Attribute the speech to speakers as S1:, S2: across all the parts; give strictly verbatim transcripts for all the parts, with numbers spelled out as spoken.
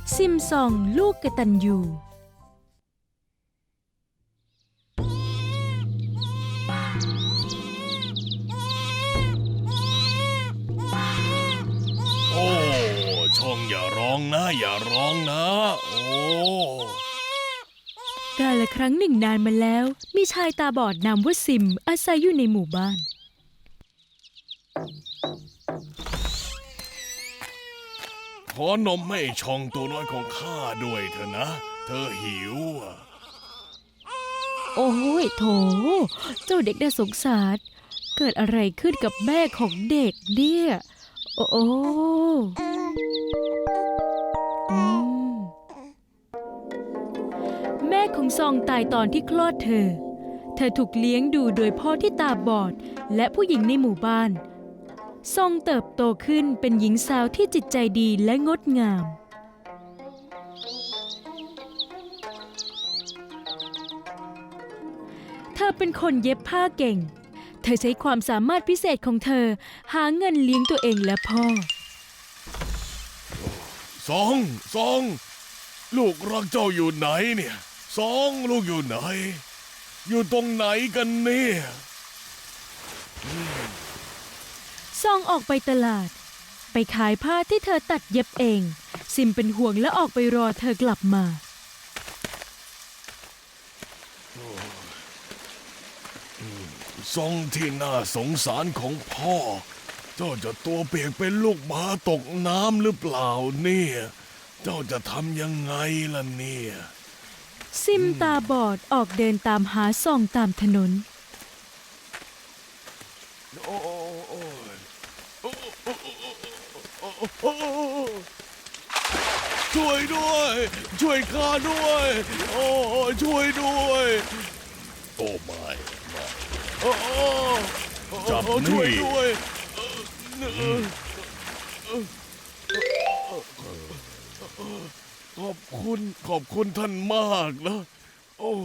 S1: ซิมซองลูกกตัญญู
S2: โอ้ช่องอย่าร้องนะอย่าร้องนะโอ้
S1: กาลครั้งหนึ่งนานมาแล้วมีชายตาบอดนามว่าซิมอาศัยอยู่ในหมู่บ้าน
S2: ขอนมให้ช่องตัวน้อยของข้าด้วยเถอะนะเธอหิวอ่ะ
S1: โอ้ยโถเจ้าเด็กน่าสงสารเกิดอะไรขึ้นกับแม่ของเด็กเนี่ยโอ้โอ้อืมแม่ของซองตายตอนที่คลอดเธอเธอถูกเลี้ยงดูโดยพ่อที่ตาบอดและผู้หญิงในหมู่บ้านซองเติบโตขึ้นเป็นหญิงสาวที่จิตใจดีและงดงามเธอเป็นคนเย็บผ้าเก่งเธอใช้ความสามารถพิเศษของเธอหาเงินเลี้ยงตัวเองและพ่อ
S2: สองสองลูกรักเจ้าอยู่ไหนเนี่ยสองลูกอยู่ไหนอยู่ตรงไหนกันเนี่ย
S1: ซองออกไปตลาดไปขายผ้าที่เธอตัดเย็บเองซิมเป็นห่วงและออกไปรอเธอกลับมา
S2: ทรงที่น่าสงสารของพ่อเจ้าจะตัวเปียกเป็นลูกหมาตกน้ำหรือเปล่าเนี่ยเจ้าจะทำยังไงล่ะเนี่ย
S1: ซิมตาบอดออกเดินตามหาซองตามถนน
S2: โอ้โอ้ช่วยด้วยช่วยข้าด้วยโอ้ช่วยด้วยโอ้ไม่ไม่โอ้จับนี่ช่วยด้วยขอบคุณขอบคุณท่านมากนะโอ้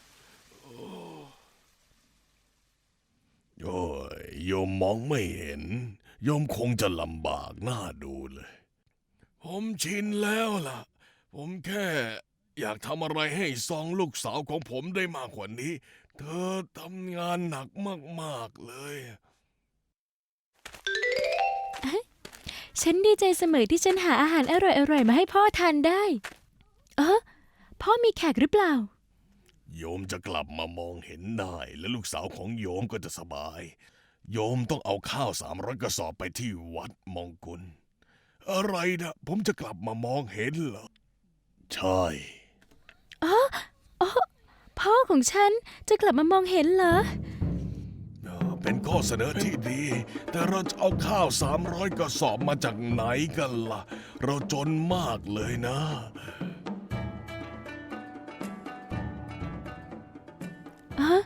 S2: โอ้ยโยมมองไม่เห็นโยมคงจะลำบากหน้าดูเลยผมชินแล้วล่ะผมแค่อยากทำอะไรให้ซองลูกสาวของผมได้มากกว่านี้เธอทำงานหนักมากๆเลย
S1: ฉันดีใจเสมอที่ฉันหาอาหารอร่อยๆมาให้พ่อทานได้เออพ่อมีแขกหรือเปล่า
S2: โยมจะกลับมามองเห็นได้และลูกสาวของโยมก็จะสบายโยมต้องเอาข้าวสามร้อยกระสอบไปที่วัดมงกุลอะไรนะผมจะกลับมามองเห็นเหรอใช่
S1: อ๋ออ๋อพ่อของฉันจะกลับมามองเห็นเหรอ
S2: เป็นข้อเสนอที่ดีแต่เราจะเอาข้าวสามร้อยกระสอบมาจากไหนกันล่ะเราจนมากเลยนะ
S1: อะ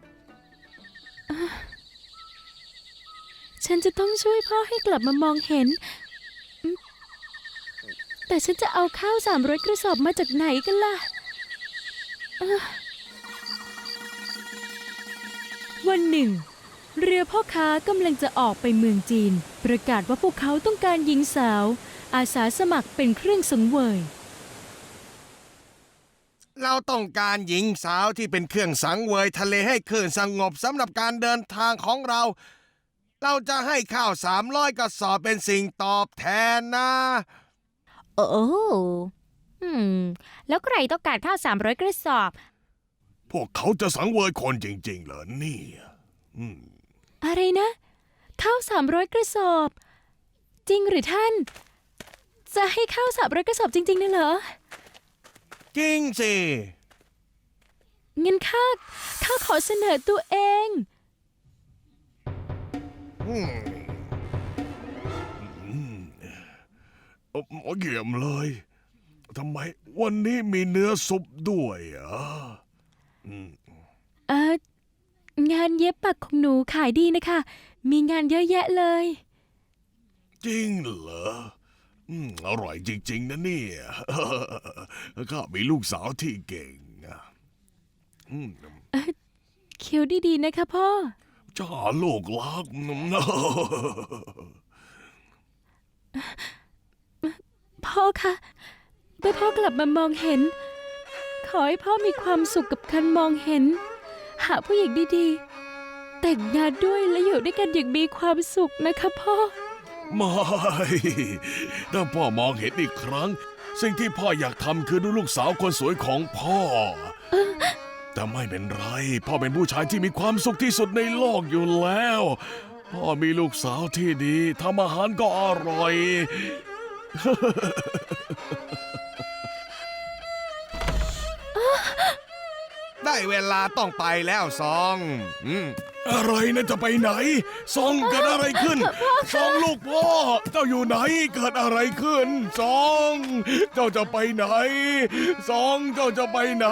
S1: ฉันจะต้องช่วยพ่อให้กลับมามองเห็นแต่ฉันจะเอาข้าวสามร้อยกระสอบมาจากไหนกันล่ะวันหนึ่งเรือพ่อค้ากำลังจะออกไปเมืองจีนประกาศว่าพวกเขาต้องการหญิงสาวอาสาสมัครเป็นเครื่องสังเวย
S3: เราต้องการหญิงสาวที่เป็นเครื่องสังเวยทะเลให้คลื่นสงบสำหรับการเดินทางของเราเราจะให้ข้าวสามร้อยกระสอบเป็นสิ่งตอบแทนนะ
S1: โอ้อืมแล้วใครต้องการข้าวสามร้อยกระสอบ
S2: พวกเขาจะสังเวยคนจริงๆเหรอเนี่ย
S1: อะไรนะข้าวสามร้อยกระสอบจริงหรือท่านจะให้ข้าวสามร้อยกระสอบจริงๆนะเหรอ
S3: จริงสิ
S1: งั้นข้าข้าขอเสนอตัวเอง
S2: อืมโอ้เยี่ยมเลยทำไมวันนี้มีเนื้อซุปด้วยอ่ะ
S1: เอองานเย็บปักของหนูขายดีนะคะมีงานเยอะแยะเลย
S2: จริงเหรออืมอร่อยจริงๆนะเนี่ยข้ามีลูกสาวที่เก่งนะ
S1: เคี้ยวดีๆนะคะพ่อ
S2: จ้าลูกรัก
S1: พ่อคะเมื่อพ่อกลับมามองเห็น ขอให้พ่อมีความสุขกับการมองเห็น หาผู้หญิงดีๆ แต่งงานด้วยและอยู่ด้วยกันอย่างมีความสุขนะคะพ่อ
S2: ไม่ถ้าพ่อมองเห็นอีกครั้ง สิ่งที่พ่ออยากทำคือดูลูกสาวคนสวยของพ่อ แต่ไม่เป็นไร พ่อเป็นผู้ชายที่มีความสุขที่สุดในโลกอยู่แล้ว พ่อมีลูกสาวที่ดีทำอาหารก็อร่อย
S3: ได้เวลาต้องไปแล้วซองอืม
S2: อะไรนะจะไปไหนซองเกิดอะไรขึ้นซองลูกพ่อ เจ้าอยู่ไหนเกิดอะไรขึ้นซองเจ้าจะไปไหนซองเจ้าจะไปไหน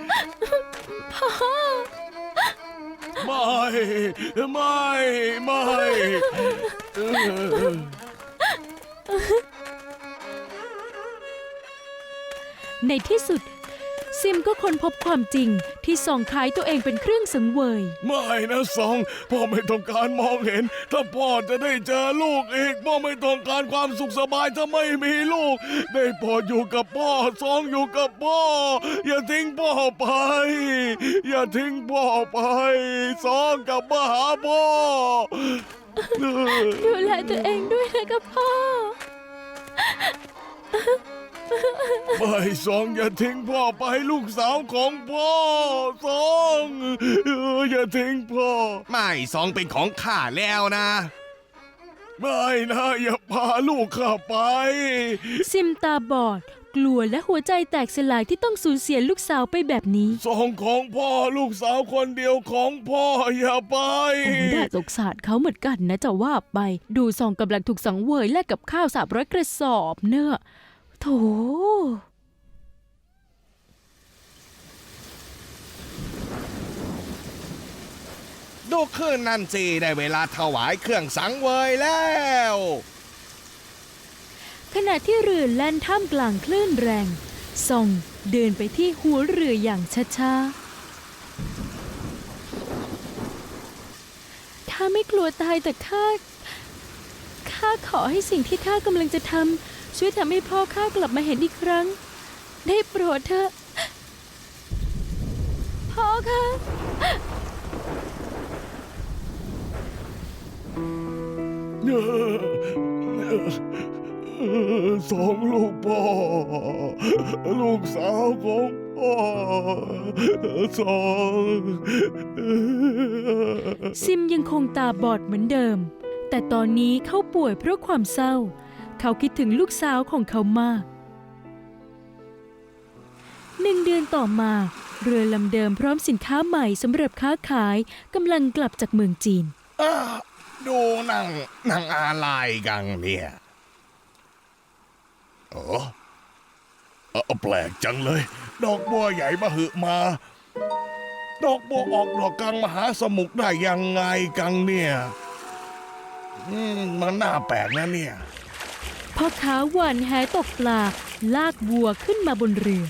S2: ไม่ไม่ไม่เออ
S1: ในที่สุด ซิมก็ค้นพบความจริงที่ส่องคล้ายตัวเองเป็นเครื่องสังเวย
S2: ไม่นะซองพ่อไม่ต้องการมองเห็น ถ้าพ่อจะได้เจอลูกอีกพ่อไม่ต้องการความสุขสบายถ้าไม่มีลูก ได้โปรดอยู่กับพ่อซองอยู่กับพ่อ อย่าทิ้งพ่อไป อย่าทิ้งพ่อไปซองกลับมาหาพ่อ
S1: ดูแลตัวเองด้วยนะคะพ่อ
S2: ไม่ซองอย่าทิ้งพ่อไปลูกสาวของพ่อซองเอออย่าทิ้งพ่อ
S3: ไม่ซองเป็นของข้าแล้วนะ
S2: ไม่นะอย่าพาลูกข้าไป
S1: ซิมตาบอด กลัวและหัวใจแตกสลายที่ต้องสูญเสียลูกสาวไปแบบนี้
S2: ซองของพ่อลูกสาวคนเดียวของพ่ออย่าไป
S1: โอ้น่าสงสารเขาเหมือนกันนะจะว่าไป ดูซองกำลังถูกสังเวยแลกกับข้าวสามร้อยกระสอบเนอะโถ
S3: ดูคืนนั่นสิได้เวลาถวายเครื่องสังเวยแล้ว
S1: ขณะที่เรือแล่นท่ามกลางคลื่นแรงซองเดินไปที่หัวเรืออย่างช้าๆข้าไม่กลัวตายแต่ข้าข้าขอให้สิ่งที่ข้ากำลังจะทำช่วยทำให้พ่อข้ากลับมาเห็นอีกครั้ง ได้โปรดเถอะพ่อคะ
S2: สองลูกพ่อ ลูกสาวของพ่อสอง
S1: ซิมยังคงตาบอดเหมือนเดิม แต่ตอนนี้เขาป่วยเพราะความเศร้า เขาคิดถึงลูกสาวของเขามากหนึ่งเดือนต่อมาเรือลำเดิมพร้อมสินค้าใหม่สำหรับค้าขายกำลังกลับจากเมืองจีน
S3: อ่ะดูนั่งนั่งอะไรกันเนี่ย
S2: เออเออแปลกจังเลย ดอกบัวใหญ่มาหึมา ดอกบัวออกดอกกลางมหาสมุทรได้ยังไงกันเนี่ยอืมมันน่าแปลกนะเนี่ย
S1: พ่อค้าหว่านแหตกปลาลากวัวขึ้นมาบนเรือ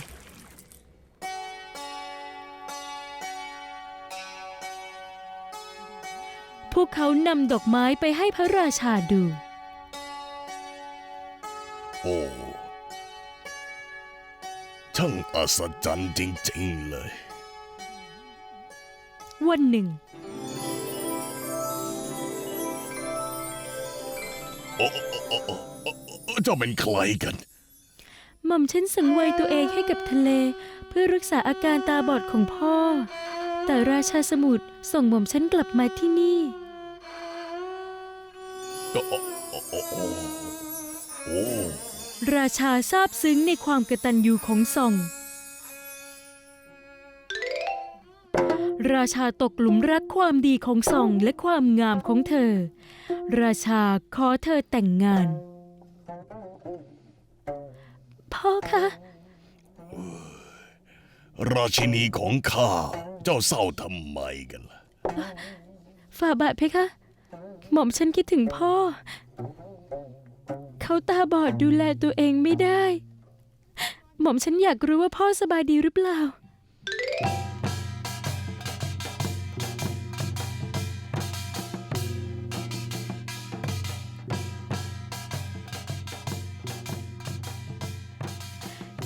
S1: พวกเขานำดอกไม้ไปให้พระราชาดู
S2: โอ้ช่างอัศจรรย์จริงๆเลย
S1: วันหนึ่ง
S2: โอ้โอ้โอ้โอ้โอ้โอ้เจ้าเป็นใครกัน
S1: หม่อมฉันสังเวยตัวเองให้กับทะเล เพื่อรักษาอาการตาบอดของพ่อ แต่ราชาสมุทรส่งหม่อมฉันกลับมาที่นี่
S2: โอ้โอ้โอ้โอ้โอ้
S1: ราชาซาบซึ้งในความกตัญญูของซอง ราชาตกหลุมรักความดีของซองและความงามของเธอ ราชาขอเธอแต่งงาน พ่อคะ
S2: ราชินีของข้า เจ้าเศร้าทำไมกันล่ะ
S1: ฝ่าบาทเพคะ หม่อมฉันคิดถึงพ่อ เขาตาบอดดูแลตัวเองไม่ได้ หม่อมฉันอยากรู้ว่าพ่อสบายดีหรือเปล่า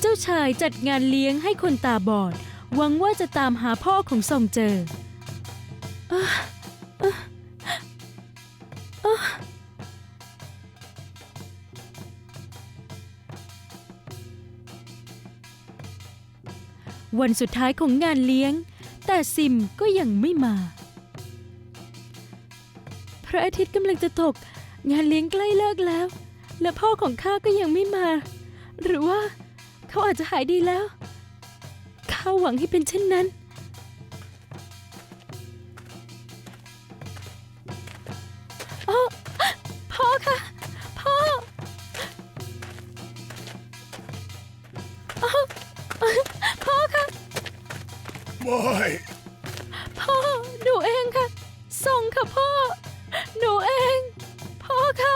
S1: เจ้าชายจัดงานเลี้ยงให้คนตาบอดหวังว่าจะตามหาพ่อของซองเจออ่ะอ่ะอ่ะวันสุดท้ายของงานเลี้ยงแต่ซิมก็ยังไม่มาพระอาทิตย์กำลังจะตกงานเลี้ยงใกล้เลิกแล้วและพ่อของข้าก็ยังไม่มา หรือว่าเขาอาจจะหายดีแล้วข้าหวังให้เป็นเช่นนั้นอ้อพ่อคะพ่ออ้อพ่อคะ
S2: ไม่
S1: พ่อหนูเองค่ะส่งค่ะพ่อหนูเองพ่อค่ะ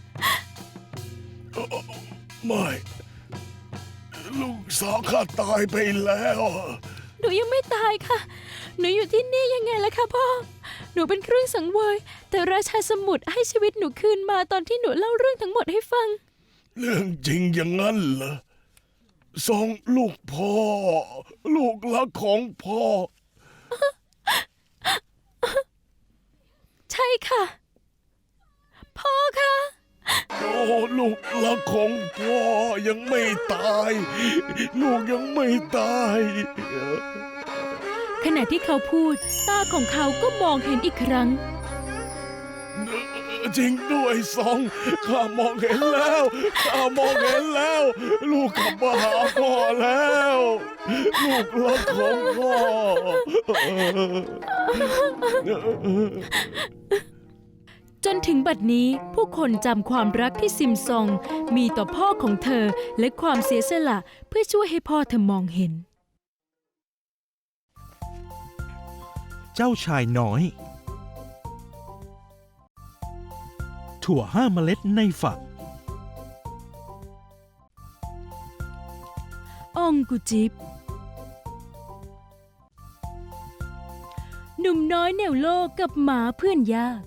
S2: ไม่ ลูกสาวข้าตายไปแล้ว
S1: หนูยังไม่ตายค่ะหนูอยู่ที่นี่ยังไงล่ะคะพ่อหนูเป็นเครื่องสังเวยแต่ราชาสมุทรให้ชีวิตหนูคืนมาตอนที่หนูเล่าเรื่องทั้งหมดให้ฟัง
S2: เรื่องจริงอย่างนั้นเหรอสองลูกพ่อ ลูกรักของพ่อ
S1: ใช่ค่ะ พ่อค่ะ
S2: โอ้ลูกรักของพ่อยังไม่ตาย ลูกยังไม่ตาย
S1: ขณะที่เขาพูดตาของเขาก็มองเห็นอีกครั้ง
S2: จริงด้วยสองข้ามองเห็นแล้วข้ามองเห็นแล้ว ลูกกลับมาหาพ่อแล้ว ลูกรักของพ่อ
S1: จนถึงบัดนี้ผู้คนจำความรักที่ซิมซองมีต่อพ่อของเธอและความเสียสละเพื่อช่วยให้พ่อเธอมองเห็น
S4: เจ้าชายน้อย ถั่วห้าเมล็ดในฝัก
S1: องกุจิบหนุ่มน้อยแนวโลกกับหมาเพื่อนยาก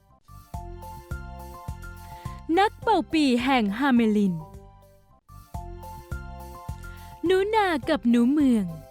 S1: นักเป่าปีแห่งฮาเมลินหนูนากับหนูเมือง